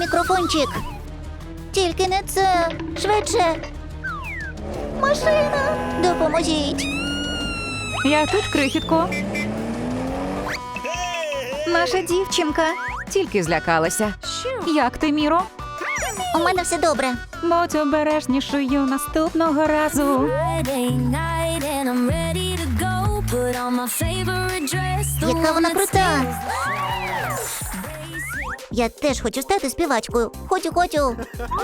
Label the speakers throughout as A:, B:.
A: мікрофончик. Тільки не це. Швидше. Машина. Допоможіть.
B: Я тут, крихітко. Наша дівчинка тільки злякалася. Як ти, Міро?
A: У мене все добре.
B: Будь обережнішою наступного разу.
C: Friday night and I'm ready to go. Put on my favorite dress. The
A: Яка
C: one
A: вона
C: that
A: крута.
C: stays.
A: Я теж хочу стати співачкою. Хочу.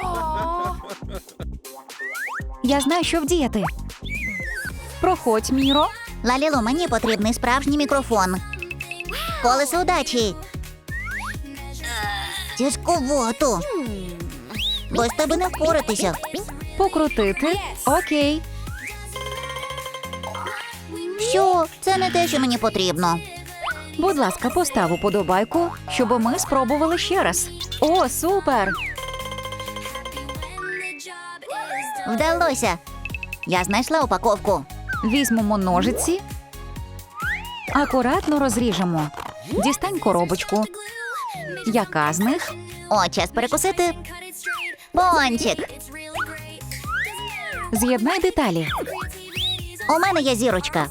B: Я знаю, що вдіяти. Проходь, Міро.
A: Лалілу, мені потрібний справжній мікрофон. Колесо удачі. Тяжковато. Без тебе не впоратися.
B: Покрутити. Окей.
A: Що? Це не те, що мені потрібно.
B: Будь ласка, постав уподобайку, щоб ми спробували ще раз. О, супер!
A: Вдалося. Я знайшла упаковку.
B: Візьмемо ножиці. Акуратно розріжемо. Дістань коробочку. Яка з них?
A: О, час перекусити. Пончик.
B: З'єднай деталі.
A: У мене є зірочка.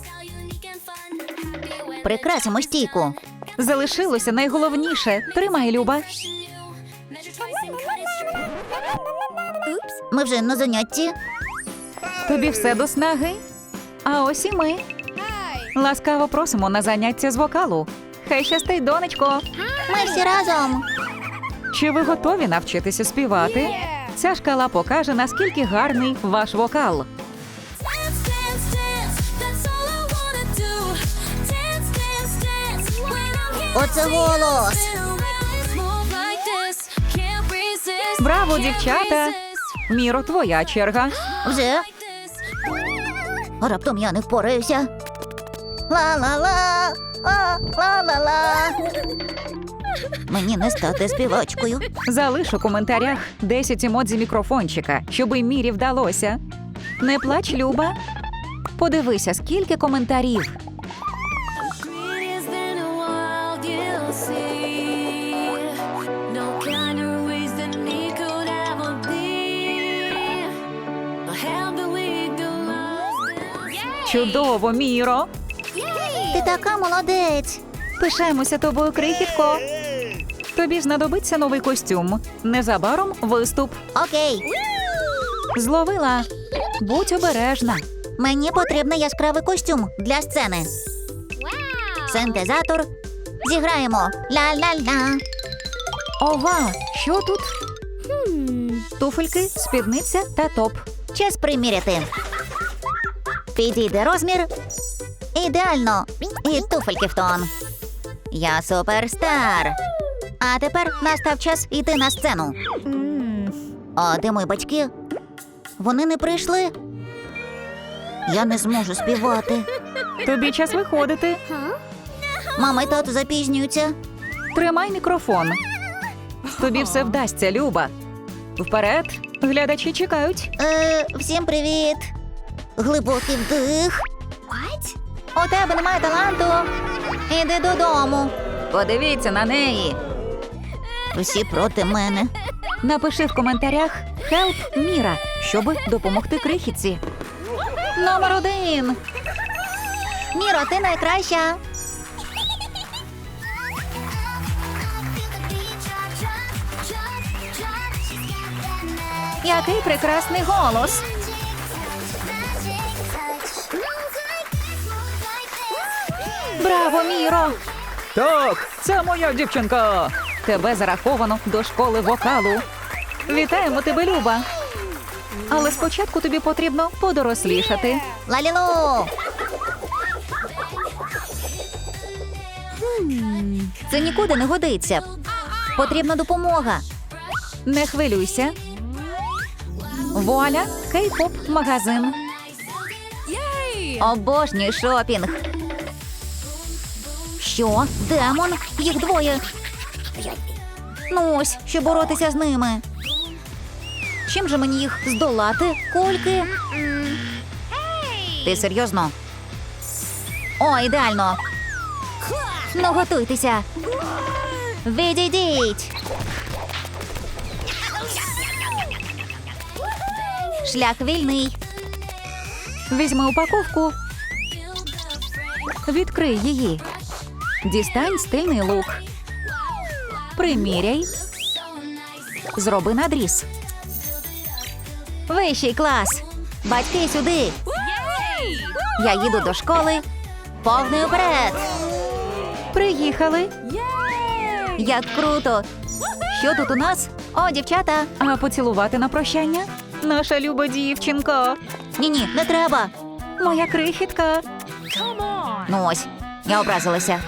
A: Прикрасимо стійку.
B: Залишилося найголовніше. Тримай, Люба.
A: Ми вже на занятті.
B: Тобі все до снаги. А ось і ми. Ласкаво просимо на заняття з вокалу. Хай щастить, донечко.
A: Ми всі разом.
B: Чи ви готові навчитися співати? Ця шкала покаже, наскільки гарний ваш вокал.
C: Dance, dance, dance. That's all I wanna do. Dance, dance, dance. When I'm here
A: Оце голос.
C: move like this. Can't resist.
B: Браво, дівчата! Міро, твоя черга.
A: Вже? Раптом я не впораюся. Ла-ла-ла. Ла-ла-ла. Мені не стати співачкою.
B: Залиш у коментарях 10 емодзі мікрофончика, щоби Мірі вдалося. Не плач, Люба. Подивися, скільки коментарів.
C: Greatest in the world, you'll see. No kind of ways that me could ever be. I have the weak, the lost.
B: Чудово, Міро.
A: Ти така молодець.
B: Пишаємося тобою, крихітко. Тобі знадобиться новий костюм. Незабаром виступ.
A: Окей.
B: Зловила. Будь обережна.
A: Мені потрібний яскравий костюм для сцени. Синтезатор. Зіграємо. Ла-ла-ла.
B: Ова, що тут? Туфельки, спідниця та топ.
A: Час приміряти. Підійде розмір. Ідеально. І туфельки в тон. Я суперстар. А тепер настав час йти на сцену. А де мої батьки? Вони не прийшли. Я не зможу співати.
B: Тобі час виходити.
A: Мама і тато запізнюються.
B: Тримай мікрофон. Тобі все вдасться, Люба. Вперед, глядачі чекають.
A: Всім привіт. Глибокий вдих. У тебе немає таланту. Іди додому.
B: Подивіться на неї.
A: Всі проти мене.
B: Напиши в коментарях «Help Міра», щоб допомогти крихітці. Номер 1.
A: Міро, ти найкраща.
B: Який прекрасний голос. Браво, Міро! Так, це моя дівчинка. Тебе зараховано до школи вокалу. Вітаємо тебе, Люба. Але спочатку тобі потрібно подорослішати.
A: Лалілу. Це нікуди не годиться. Потрібна допомога.
B: Не хвилюйся. Вуаля, кей-поп магазин.
A: Обожнюю шопінг. Що? Демон? Їх двоє. Ну ось, щоб боротися з ними. Чим же мені їх здолати? Кульки? Ти серйозно? О, ідеально. Ну, готуйтеся. Відійдіть. Шлях вільний.
B: Візьми упаковку. Відкрий її. Дістань стильний лук. Приміряй. Зроби надріз.
A: Вищий клас. Батьки сюди. Я їду до школи. Повний уперед.
B: Приїхали.
A: Як круто. Що тут у нас? О, дівчата.
B: А поцілувати на прощання? Наша люба дівчинка.
A: Ні-ні, не треба.
B: Моя крихітка.
A: Ну ось, я образилася.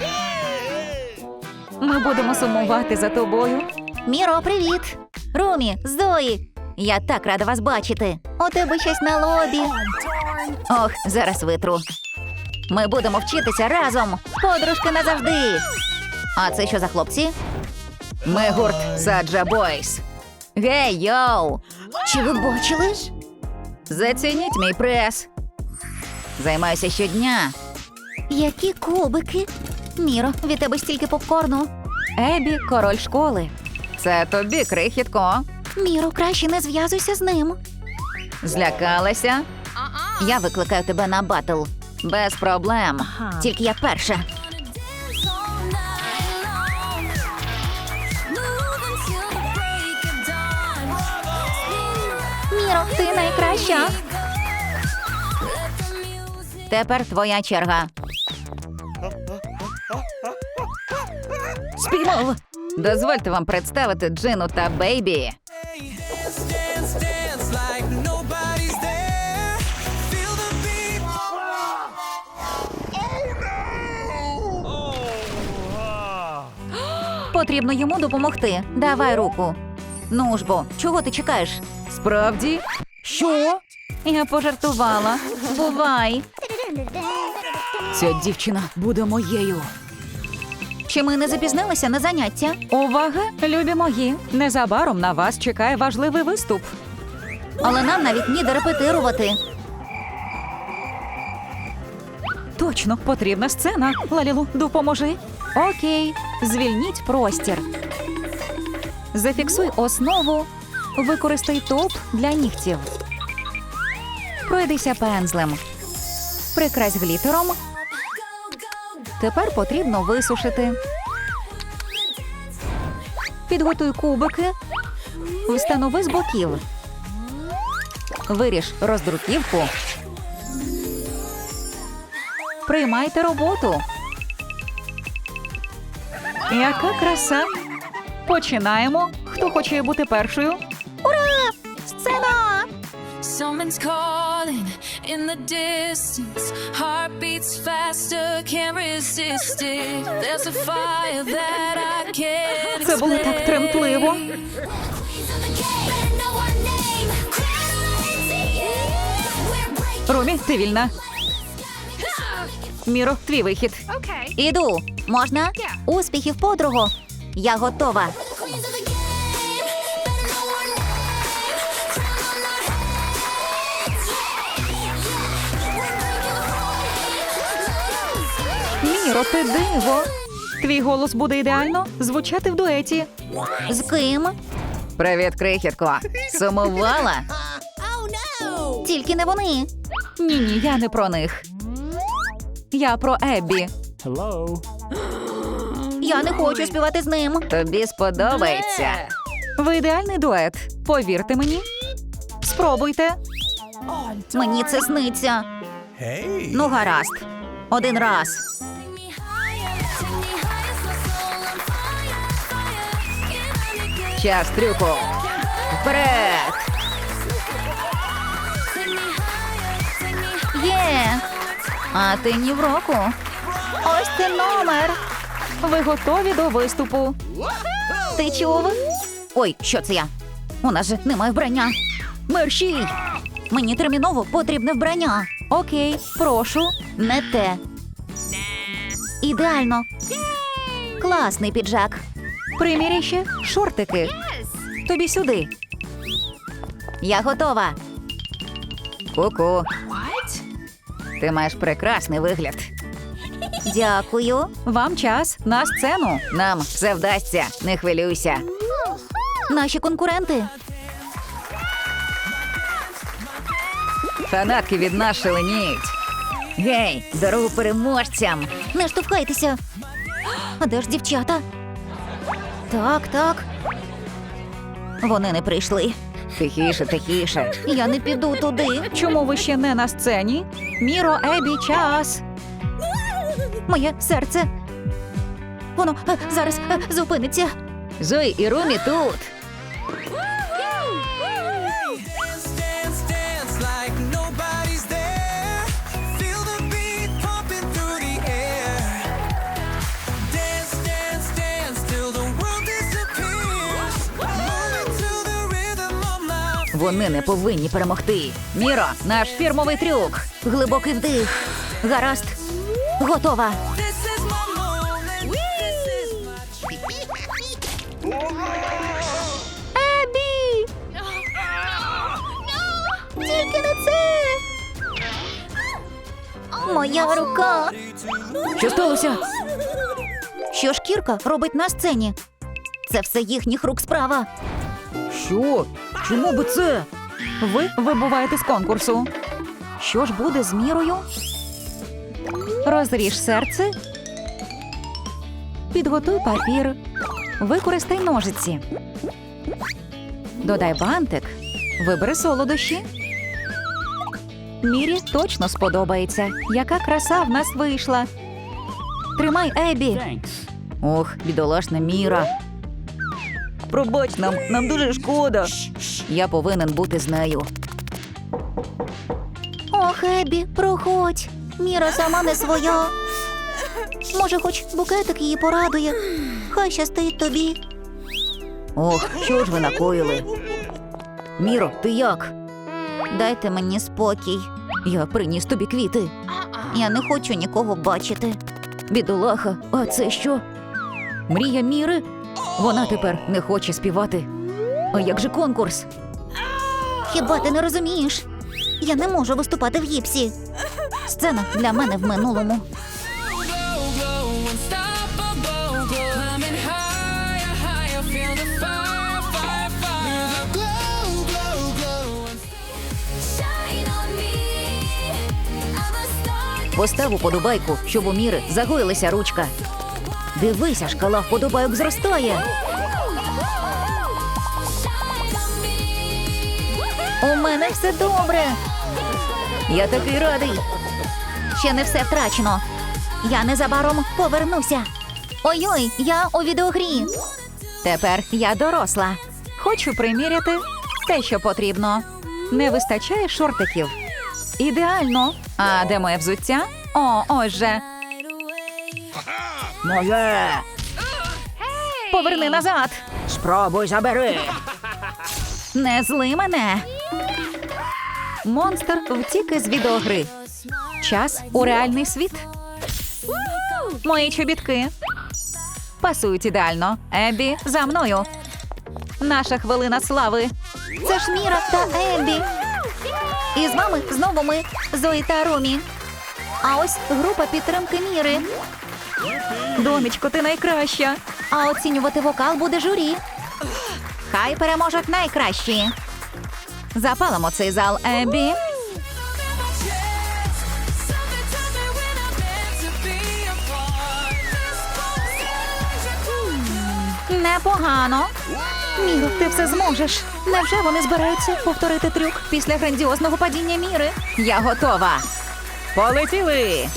B: Ми будемо сумувати за тобою.
A: Міро, привіт. Румі, Зої. Я так рада вас бачити. У тебе щось на лобі. Ох, зараз витру. Ми будемо вчитися разом. Подружки назавжди. А це що за хлопці?
B: Ми гурт Саджа Бойс.
A: Гей, йоу! Чи ви бачили?
B: Зацініть мій прес.
A: Займаюся щодня. Які кубики. Міро, від тебе стільки попкорну.
B: Ебі – король школи. Це тобі, крихітко.
A: Міро, краще не зв'язуйся з ним.
B: Злякалася?
A: Я викликаю тебе на батл.
B: Без проблем.
A: Тільки я перша.
C: Dance all night long. Move until the break of dawn.
A: Міро, ти найкраща.
C: Let the music
A: Тепер твоя черга.
B: Спіймав! Дозвольте вам представити Джину та Бейбі.
D: Dance, dance like nobody's there. Feel the beat.
A: Потрібно йому допомогти. Давай руку. Ну ж бо, чого ти чекаєш?
B: Справді? Що?
A: Я пожартувала. Бувай.
B: Ця дівчина буде моєю.
A: Чи ми не запізнилися на заняття?
B: Увага, любі мої! Незабаром на вас чекає важливий виступ.
A: Але нам навіть ніде репетирувати.
B: Точно, потрібна сцена. Лалілу, допоможи. Окей, звільніть простір. Зафіксуй основу. Використай топ для нігтів. Пройдися пензлем. Прикрась глітером. Тепер потрібно висушити. Підготуй кубики. Встанови з боків. Виріж роздруківку. Приймайте роботу. Яка краса! Починаємо. Хто хоче бути першою?
A: Сцена!
C: Someone's calling in the distance. Heart beats faster, can't resist it. There's a fire that I can't
B: Це було так тремтливо. Румі, ти вільна. Міро, твій вихід.
A: Іду. Можна? Успіхів, подруго. Я готова.
B: Міро, ти диво. Твій голос буде ідеально звучати в дуеті.
A: З ким?
B: Привіт, крихітко. Сумувала?
A: Тільки не вони.
B: Ні, я не про них. Я про Еббі.
A: Я не хочу співати з ним.
B: Тобі сподобається. Ви ідеальний дует. Повірте мені. Спробуйте.
A: Мені це сниться.
D: Hey.
A: Ну, гаразд. Один раз.
B: Час трюку. Вперед!
A: Є. А ти ні в року. Ось це номер.
B: Ви готові до виступу?
A: Ти чув? Ой, що це я? У нас же немає вбрання.
B: Мерщій!
A: Мені терміново потрібне вбрання.
B: Окей, прошу.
A: Не те. Ідеально. Класний піджак.
B: Приміряй ще шортики. Тобі сюди.
A: Я готова.
B: Ку-ку. Ти маєш прекрасний вигляд.
A: Дякую.
B: Вам час на сцену. Нам все вдасться, не хвилюйся.
A: Наші конкуренти.
B: Фанатки від нас шаленіють. Гей, дорогу переможцям!
A: Не штовхайтеся. А де ж дівчата? Так. Вони не прийшли.
B: Тихіше, тихіше.
A: Я не піду туди.
B: Чому ви ще не на сцені? Міро, Ебі, час.
A: Моє серце. Воно зараз зупиниться.
B: Зої і Румі тут.
D: Dance, dance, dance like nobody's there. Feel the beat pumping through the air. Dance, dance, dance till the world disappears. Moving to the rhythm of my
B: Вони не повинні перемогти. Міро, наш фірмовий трюк.
A: Глибокий вдих. Гаразд. Готова.
D: This is my moment. This is my
A: Ебі! Тільки не це! Моя рука!
B: Що сталося?
A: Що шкірка робить на сцені? Це все їхніх рук справа.
B: Що? Чому би це? Ви вибуваєте з конкурсу. Що ж буде з Мірою? Розріж серце. Підготуй папір. Використай ножиці. Додай бантик. Вибери солодощі. Мірі точно сподобається. Яка краса в нас вийшла. Тримай, Ебі. Ох, бідолашна Міра. Пробач нам дуже шкода. Я повинен бути з нею.
A: Ох, Ебі, проходь. Міра сама не своя. Може, хоч букетик її порадує. Хай щастить тобі.
B: Ох, що ж ви накоїли? Міро, ти як?
A: Дайте мені спокій.
B: Я приніс тобі квіти.
A: Я не хочу нікого бачити.
B: Бідолаха, а це що? Мрія Міри? Вона тепер не хоче співати. А як же конкурс?
A: Хіба ти не розумієш? Я не можу виступати в гіпсі. Сцена для мене в минулому.
D: glow, glow, unstoppable glow. Climbing higher, higher, feel the fire, fire, fire. Glow, glow, glow.
C: Shine on me. I'm a star.
B: Постав уподобайку, щоб у Міри загоїлася ручка. Дивися, шкала вподобайок зростає.
C: Shine on me.
A: У мене все добре.
B: Я такий радий.
A: Ще не все втрачено. Я незабаром повернуся. Ой-ой, я у відеогрі.
B: Тепер я доросла. Хочу приміряти те, що потрібно. Не вистачає шортиків. Ідеально. А де моє взуття? О, ось же. Моє. Поверни назад. Спробуй забери. Не зли мене. Монстр втік із відеогри. Час у реальний світ. Мої чобітки. Пасують ідеально. Ебі, за мною. Наша хвилина слави.
A: Це ж Міра та Ебі. І з вами знову ми, Зої та Румі. А ось група підтримки Міри.
B: Донечко, ти найкраща.
A: А оцінювати вокал буде журі. Хай переможуть найкращі.
B: Запалимо цей зал, Ебі.
D: Something tells me we're not meant to be apart. This one's
A: Непогано.
B: Міро, ти все зможеш. Невже вони збираються повторити трюк після грандіозного падіння Міри? Я готова. Полетіли!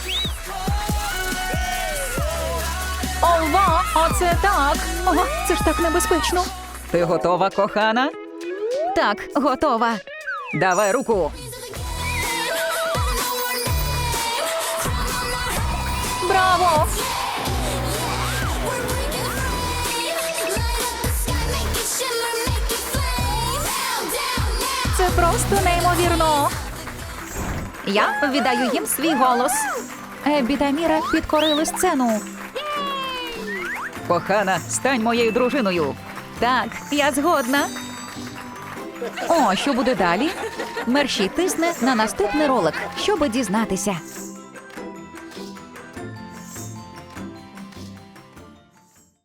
B: Ова, оце так! Ого, це ж так небезпечно. Ти готова, кохана? Так, готова. Давай руку.
A: Браво!
B: Це просто неймовірно. Я віддаю їм свій голос. Еббі та Міра підкорили сцену. Кохана, стань моєю дружиною. Так, я згодна. О, що буде далі? Мерші тисне на наступний ролик, щоб дізнатися.